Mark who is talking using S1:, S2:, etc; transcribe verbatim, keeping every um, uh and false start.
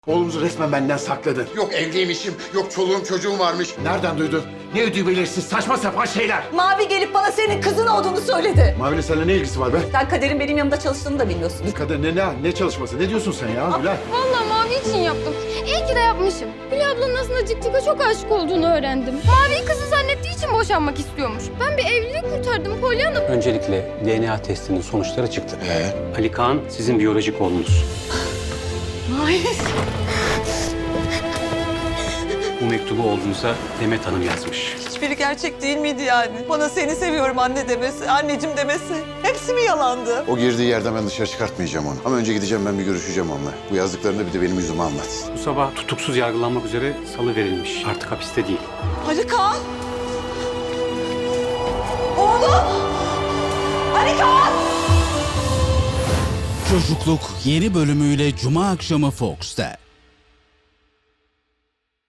S1: Oğlumuzu resmen benden sakladın.
S2: Yok evliymişim, yok çoluğum çocuğum varmış.
S1: Nereden duydun? Ne ödüğü belirsiz saçma sapan şeyler.
S3: Mavi gelip bana senin kızın olduğunu söyledi.
S1: Mavi'yle seninle ne ilgisi var be?
S3: Sen Kader'in benim yanımda çalıştığını da bilmiyorsun.
S1: Kader ne, ne, ne çalışması? Ne diyorsun sen ya Gülay?
S4: Vallahi Mavi için yaptım. İyi ki de yapmışım. Hülya ablanın aslında Cikcik'e çok aşık olduğunu öğrendim. Mavi'yi kızı zannettiği için boşanmak istiyormuş. Ben bir evlilik kurtardım Pollyanna.
S5: Öncelikle D N A testinin sonuçları çıktı.
S2: Ee?
S5: Ali Kaan sizin biyolojik oğlunuz.
S3: Mavi.
S5: Bu mektubu oğlunuza Demet Hanım yazmış.
S3: Hiçbiri gerçek değil miydi yani? Bana seni seviyorum anne demesi, anneciğim demesi. Hepsi mi yalandı?
S2: O girdiği yerden ben dışarı çıkartmayacağım onu. Ama önce gideceğim ben bir görüşeceğim onunla. Bu yazdıklarını bir de benim yüzüme anlatsın.
S5: Bu sabah tutuksuz yargılanmak üzere salı verilmiş. Artık hapiste değil.
S3: Ali Kaan! Oğlum! Ali Kaan!
S6: Çocukluk yeni bölümüyle Cuma akşamı Fox'ta.